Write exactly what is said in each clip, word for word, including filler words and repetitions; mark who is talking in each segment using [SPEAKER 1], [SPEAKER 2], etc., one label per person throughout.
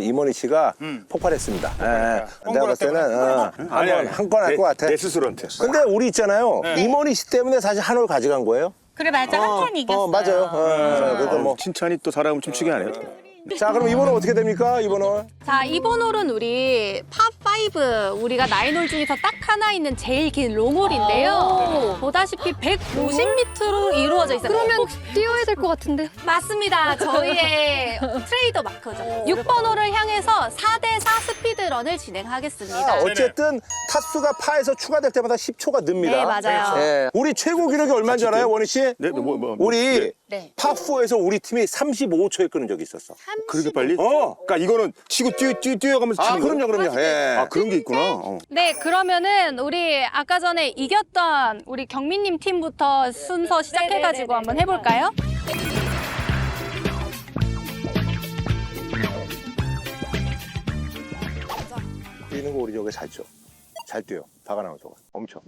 [SPEAKER 1] 이모니 씨가
[SPEAKER 2] 음.
[SPEAKER 1] 폭발했습니다.
[SPEAKER 2] 그러니까.
[SPEAKER 1] 예, 내가 봤을 때는 어,
[SPEAKER 2] 아니, 아니.
[SPEAKER 1] 한건 할 것 같아.
[SPEAKER 2] 내 스스로한테.
[SPEAKER 1] 근데 우리 있잖아요. 이모니 씨 때문에 사실 한올 가져간 거예요.
[SPEAKER 3] 그래 맞아 한 판 이겼어.
[SPEAKER 1] 어, 맞아요. 어, 그러니까 뭐.
[SPEAKER 2] 칭찬이 또 사람을 춤추게 하네요.
[SPEAKER 1] 자, 그럼 이번은 어떻게 됩니까? 이번은?
[SPEAKER 4] 자, 이번 홀은 우리 팝오, 우리가 나인홀 중에서 딱 하나 있는 제일 긴 롱홀인데요. 보다시피 백오십 미터로 이루어져 있어요.
[SPEAKER 5] 그러면 뛰어야 될 것 같은데.
[SPEAKER 4] 맞습니다. 저희의 트레이더 마커죠. 육 번 홀을 향해서 사 대 사 스피드런을 진행하겠습니다.
[SPEAKER 1] 아, 어쨌든 타수가 파에서 추가될 때마다 십 초가 늡니다.
[SPEAKER 4] 네, 맞아요.
[SPEAKER 1] 예. 우리 최고 기록이 얼마인 줄 알아요, 원희 씨?
[SPEAKER 2] 네, 뭐, 뭐, 뭐.
[SPEAKER 1] 우리
[SPEAKER 4] 네.
[SPEAKER 1] 팝사에서 우리 팀이 삼십오 초에 끄는 적이 있었어.
[SPEAKER 2] 그렇게 빨리?
[SPEAKER 1] 어.
[SPEAKER 2] 그러니까 이거는 치고 뛰어, 뛰어, 뛰어가면서
[SPEAKER 1] 아,
[SPEAKER 2] 치는 거예요?
[SPEAKER 1] 그럼요, 그럼요. 예.
[SPEAKER 2] 아, 그런 게 있구나. 어.
[SPEAKER 4] 네, 그러면은 우리 아까 전에 이겼던 우리 경민님 팀부터 순서 시작해가지고 한번 해볼까요?
[SPEAKER 1] 뛰는 거 우리 저게 잘 쳐. 잘 뛰어. 박아 나운서가 엄청.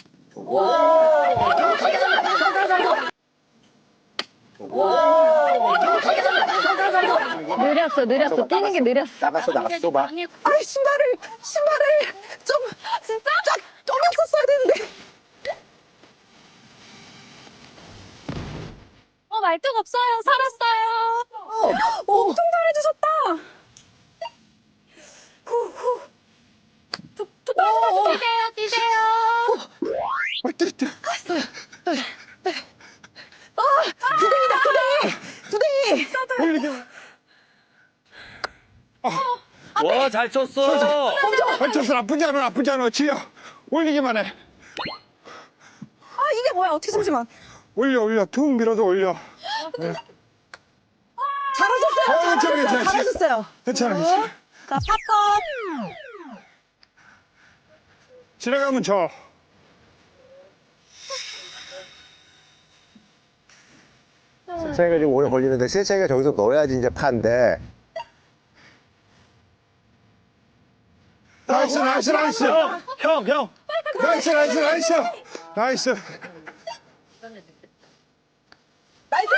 [SPEAKER 5] 느렸어, 느렸어. 뛰는 게 느렸어.
[SPEAKER 1] 나갔어, 나갔어, 봐.
[SPEAKER 6] 아이 신발을 신발을 좀 진짜 좀 했었어야 되는데.
[SPEAKER 4] 어, 말뚝 없어요. 살았어요.
[SPEAKER 6] 어, 엄청 잘해주셨다. 후후.
[SPEAKER 4] 뛰세요, 뛰세요.
[SPEAKER 6] 두댕이다 두댕이 두댕이.
[SPEAKER 7] 와, 잘 쳤어.
[SPEAKER 8] 얹혀서 나쁘지 않아, 나쁘지 않아. 지려. 올리기만 해.
[SPEAKER 6] 아 이게 뭐야? 어떻게 잠시만.
[SPEAKER 8] 올려, 올려. 툭 밀어도 올려.
[SPEAKER 6] 잘하셨어요.
[SPEAKER 8] 어, 괜찮아,
[SPEAKER 6] 잘하셨어요.
[SPEAKER 8] 괜찮아.
[SPEAKER 6] 잘하셨어요.
[SPEAKER 8] 괜찮아, 괜찮아.
[SPEAKER 6] 자 팝컵.
[SPEAKER 8] 지나가면 져.
[SPEAKER 1] 세차이가 좀 오래 걸리는데 세차이가 저기서 넣어야지 이제 파인데.
[SPEAKER 8] 나이스, 나이스, 나이스.
[SPEAKER 7] 형, 형.
[SPEAKER 8] 나이스, 나이스, 나이스. 나이스.
[SPEAKER 6] 나이스.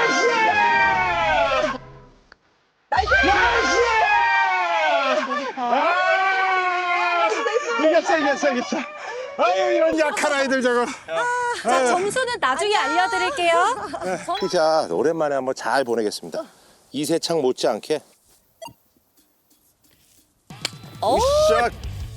[SPEAKER 8] 아! 이겼어, 이겼어, 이겼어. 아유, 이런 약한 아이들 저거.
[SPEAKER 4] 자, 점수는 나중에 알려드릴게요.
[SPEAKER 1] 피자 오랜만에 한번 잘 보내겠습니다. 이세창 못지않게.
[SPEAKER 2] 샷.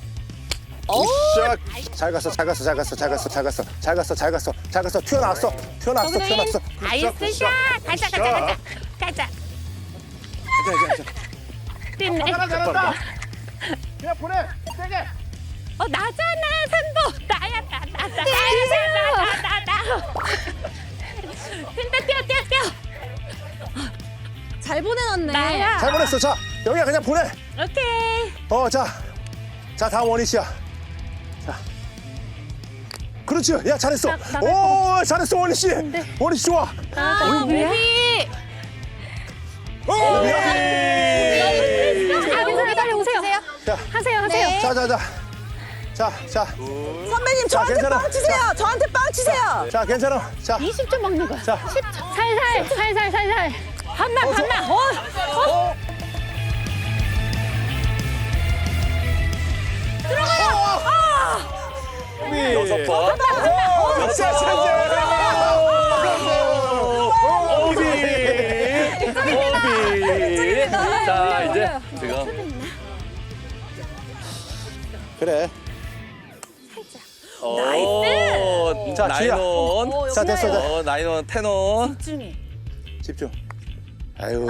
[SPEAKER 2] 샷.
[SPEAKER 1] 잘 갔어, 잘 갔어, 잘 갔어, 잘 갔어, 잘 갔어, 잘 갔어, 잘 갔어, 잘 갔어. 튀어나왔어, 튀어나왔어, 튀어나왔어.
[SPEAKER 3] 나이스 샷. 가자 가자 가자. 가자. 됐네.
[SPEAKER 2] 잘한다. 그냥 보내. 세게.
[SPEAKER 3] 어 나잖아 선보. 나야 나 나 나. 나야 나나 나. 근데 뛰어 뛰어 뛰어.
[SPEAKER 4] 잘 보내놨네.
[SPEAKER 3] 나야.
[SPEAKER 1] 잘 보냈어. 자, 여기야 그냥 보내.
[SPEAKER 3] 오케이.
[SPEAKER 1] 어, 자, 자 다음 원희 씨야. 자, 그렇지. 야 잘했어.
[SPEAKER 3] 나-
[SPEAKER 1] 오, 잘했어 원희 씨. 원희 씨 좋아.
[SPEAKER 4] 아, 우리
[SPEAKER 1] 오,
[SPEAKER 4] 아, 빨리 오세요.
[SPEAKER 1] 자,
[SPEAKER 4] 하세요, 하세요.
[SPEAKER 1] 자, 자, 자, 자, 자,
[SPEAKER 6] 선배님 저한테
[SPEAKER 1] 괜찮아.
[SPEAKER 6] 빵 치세요. 저한테 빵 치세요.
[SPEAKER 1] 자, 괜찮아. 자,
[SPEAKER 5] 이십 점 먹는 거야.
[SPEAKER 1] 자,
[SPEAKER 5] 살살, 살살, 살살.
[SPEAKER 3] 반만 반만. 어. 어.
[SPEAKER 7] 여섯 번.
[SPEAKER 1] 자, 자, 자.
[SPEAKER 7] 오비. 오비. 자, 이제 지금.
[SPEAKER 1] 그래.
[SPEAKER 7] 나이스.
[SPEAKER 1] 자, 지야.
[SPEAKER 7] 나인원.
[SPEAKER 1] 자, 됐어. 자,
[SPEAKER 7] 어, 나인원, 텐원.
[SPEAKER 1] 집중. 아유.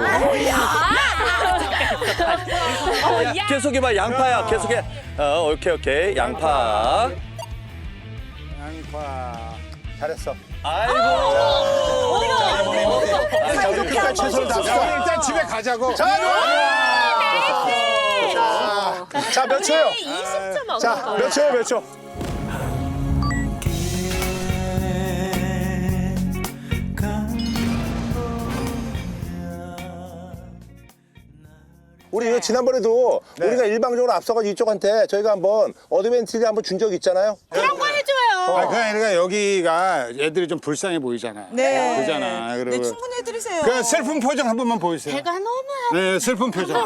[SPEAKER 7] 계속해봐, 양파야. 계속해. 어, 오케이, 오케이. 양파.
[SPEAKER 8] 양파.
[SPEAKER 1] 잘했어.
[SPEAKER 7] 아이고.
[SPEAKER 1] 자, 우리 끝까지 최선을 다합시다.
[SPEAKER 8] 일단 집에 가자고.
[SPEAKER 1] 자, 자, 자, 몇 초요?
[SPEAKER 3] 이십 점
[SPEAKER 1] 자, 몇 초요, 몇 초? 우리 지난번에도 우리가 일방적으로 앞서가지고 이쪽한테 저희가 한번 어드밴티지 한번 준 적 있잖아요.
[SPEAKER 3] 그런 거 해줘요.
[SPEAKER 8] 아, 그게 아니라 여기가 애들이 좀 불쌍해 보이잖아.
[SPEAKER 6] 네.
[SPEAKER 8] 그러잖아. 그리고
[SPEAKER 6] 네 충분히 해드리세요.
[SPEAKER 8] 그 슬픈 표정 한 번만 보여주세요.
[SPEAKER 3] 배가 너무
[SPEAKER 8] 네, 슬픈 표정.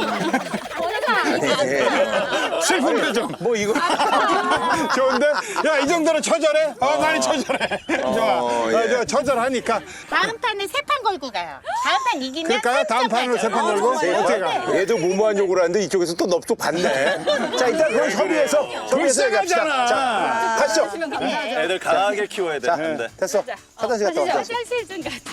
[SPEAKER 8] 슬픈 표정.
[SPEAKER 2] 뭐 이거
[SPEAKER 8] 좋은데? 야, 이 정도로 처절해? 어, 많이 처절해. 좋아.
[SPEAKER 2] 어, 예.
[SPEAKER 8] 어, 저 처절하니까.
[SPEAKER 3] 다음 판은 세 판 걸고 가요. 다음 판 이기면
[SPEAKER 8] 그럴까요? 다음 판으로 세 판 걸고? 어떻게 가?
[SPEAKER 2] 얘도 무모한 욕을 하는데 이쪽에서 또 넙죽 받네. 자 일단 그럼 협의해서 협의해서 얘기합시다.
[SPEAKER 8] 불쌍하잖아.
[SPEAKER 2] 자 가시죠.
[SPEAKER 7] 애들 강하게 키워야
[SPEAKER 2] 자
[SPEAKER 7] 되는데.
[SPEAKER 2] 됐어. 화장실 갔다 왔어.
[SPEAKER 3] 화장실 좀 가자.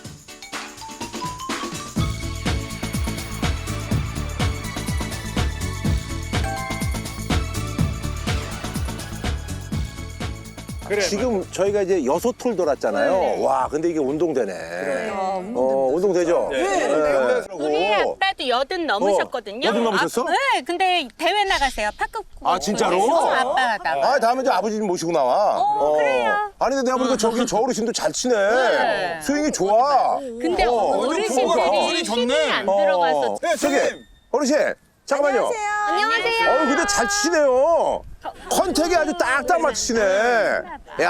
[SPEAKER 8] 그래.
[SPEAKER 2] 지금 저희가 이제 여섯 톨 돌았잖아요. 와 근데 이게 운동되네. 어 운동되죠. 네.
[SPEAKER 3] 우리 아빠도 여든 넘으셨거든요.
[SPEAKER 2] 여든 넘으셨어?
[SPEAKER 3] 아, 네, 근데 대회 나가세요. 파크.
[SPEAKER 2] 아, 진짜로?
[SPEAKER 3] 아빠가.
[SPEAKER 2] 아 다음에 저 아버지 좀 모시고 나와.
[SPEAKER 3] 어, 그래요.
[SPEAKER 2] 아니 근데 내가 보니까 저기 저 어르신도 잘 치네.
[SPEAKER 3] 네.
[SPEAKER 2] 스윙이 좋아.
[SPEAKER 3] 근데
[SPEAKER 2] 어,
[SPEAKER 3] 어르신들이
[SPEAKER 8] 좋네.
[SPEAKER 3] 힘이 안
[SPEAKER 2] 어.
[SPEAKER 3] 들어가서.
[SPEAKER 2] 네, 저기 어르신 잠깐만요.
[SPEAKER 5] 안녕하세요.
[SPEAKER 2] 어 근데 잘 치시네요. 컨택이 아주 딱딱 맞추시네. 야,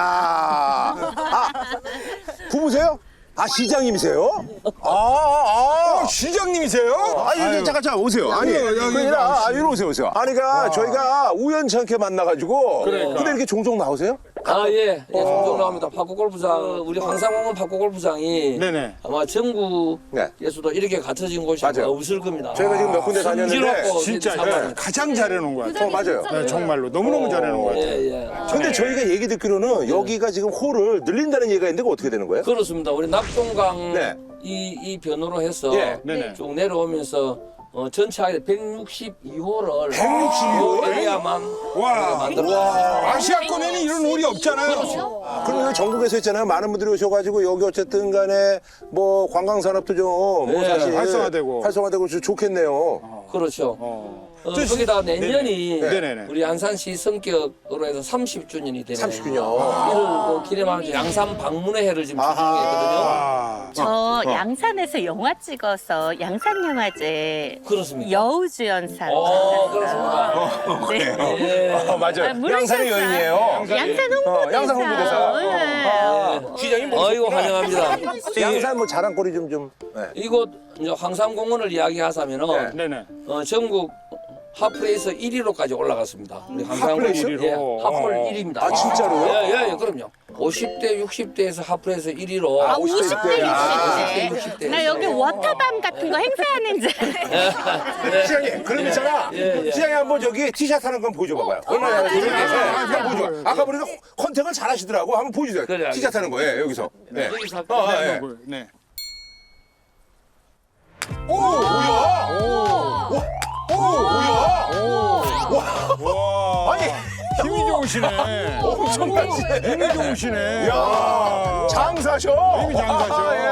[SPEAKER 2] 아 부부세요? 아 시장님이세요? 아, 아,
[SPEAKER 8] 어, 시장님이세요?
[SPEAKER 2] 아, 아니 잠깐 잠깐 오세요. 아니,
[SPEAKER 8] 아니요, 여기
[SPEAKER 2] 그게 아니라 아, 이리 오세요, 오세요. 아니, 그러니까 저희가 우연찮게 만나가지고.
[SPEAKER 8] 그러니까.
[SPEAKER 2] 근데 이렇게 종종 나오세요?
[SPEAKER 9] 아, 예. 예, 종종 나옵니다. 파쿠골프장, 우리 황상홍은 파쿠골프장이
[SPEAKER 8] 네네.
[SPEAKER 9] 아마 전국에서도 이렇게 갖춰진 곳이 아마
[SPEAKER 2] 맞아요.
[SPEAKER 9] 없을 겁니다.
[SPEAKER 2] 저희가 지금 몇 군데 다녔는데.
[SPEAKER 9] 성질없고
[SPEAKER 8] 진짜
[SPEAKER 9] 사람.
[SPEAKER 8] 네, 가장 잘해놓은 것 같아요.
[SPEAKER 2] 어, 맞아요.
[SPEAKER 8] 네, 정말로 너무너무 잘해놓은 것 같아요.
[SPEAKER 9] 예, 예.
[SPEAKER 2] 근데 저희가 얘기 듣기로는 여기가 지금 홀을 늘린다는 얘기가 있는데 그거 어떻게 되는 거예요?
[SPEAKER 9] 그렇습니다. 우리 낙동강
[SPEAKER 2] 네.
[SPEAKER 9] 이, 이 변호로 해서
[SPEAKER 2] 예.
[SPEAKER 8] 네네.
[SPEAKER 9] 쭉 내려오면서 어, 전체하게 백육십이 홀을
[SPEAKER 8] 백육십이 홀?
[SPEAKER 9] 에리아만
[SPEAKER 8] 와,
[SPEAKER 9] 만들었습니다.
[SPEAKER 8] 아시아권에는 이런 홀이 없잖아요.
[SPEAKER 2] 그럼 여기 전국에서 있잖아요. 많은 분들이 오셔가지고 여기 어쨌든 간에 뭐 관광산업도 좀 뭐
[SPEAKER 9] 네,
[SPEAKER 2] 사실
[SPEAKER 8] 활성화되고.
[SPEAKER 2] 활성화되고 좀 좋겠네요.
[SPEAKER 9] 그렇죠.
[SPEAKER 8] 어.
[SPEAKER 9] 어,
[SPEAKER 8] 저 시-
[SPEAKER 9] 거기다 내년이
[SPEAKER 8] 네네네.
[SPEAKER 9] 우리 안산시 성격으로 해서 삼십 주년이 되네요.
[SPEAKER 2] 삼십 주년.
[SPEAKER 9] 이를 뭐 기념하면서 양산 방문의 해를 지금 추진 중이거든요.
[SPEAKER 8] 아,
[SPEAKER 3] 저 양산에서 영화 찍어서 양산영화제
[SPEAKER 9] 그렇습니다.
[SPEAKER 3] 여우주연상.
[SPEAKER 9] 어, 그렇습니다.
[SPEAKER 3] 네.
[SPEAKER 9] 예.
[SPEAKER 2] 어, 맞아요.
[SPEAKER 3] 아, 물론
[SPEAKER 2] 양산의
[SPEAKER 3] 셨어요.
[SPEAKER 2] 여인이에요.
[SPEAKER 3] 양산 홍보대사.
[SPEAKER 2] 어, 양산 홍보대사.
[SPEAKER 3] 네.
[SPEAKER 2] 아, 시장님 뭐
[SPEAKER 9] 아이고 환영합니다.
[SPEAKER 2] 양산 뭐 자랑거리 좀 좀. 네.
[SPEAKER 9] 이곳 이제 황산공원을 이야기하자면은
[SPEAKER 8] 네네.
[SPEAKER 9] 어, 전국 하프레이서 일 위로까지 올라갔습니다. 우리 황산공원
[SPEAKER 2] 하프레이서?
[SPEAKER 9] 예, 하프를 일 위입니다.
[SPEAKER 2] 아, 진짜로요?
[SPEAKER 9] 예, 예, 예, 그럼요. 오십 대, 육십 대에서 하프레이서 일 위로.
[SPEAKER 3] 아,
[SPEAKER 2] 오십 대,
[SPEAKER 3] 오십 대,
[SPEAKER 2] 야.
[SPEAKER 3] 육십 대. 나 여기 워터밤 같은 거 행사하는 줄.
[SPEAKER 2] 시장님, 그럼 있잖아.
[SPEAKER 9] 예, 예.
[SPEAKER 2] 시장님 한번 저기 티샷 하는 건 보여줘봐봐요. 얼마나 잘하는지. 네, 한번 보여줘. 아까 보니까 컨택을 잘 하시더라고. 한번 보여주세요.
[SPEAKER 9] 그래,
[SPEAKER 2] 티샷 하는 거예요, 여기서. 네.
[SPEAKER 9] 여기서
[SPEAKER 2] 어, 어, 예.
[SPEAKER 8] 네.
[SPEAKER 2] 오, 뭐야? 오, 오, 뭐야?
[SPEAKER 8] 와,
[SPEAKER 2] 아니,
[SPEAKER 8] 힘이 좋으시네.
[SPEAKER 2] 엄청나시네.
[SPEAKER 8] 힘이 좋으시네.
[SPEAKER 2] 야, 장사셔.
[SPEAKER 8] 힘이 장사셔.
[SPEAKER 2] 아, 예.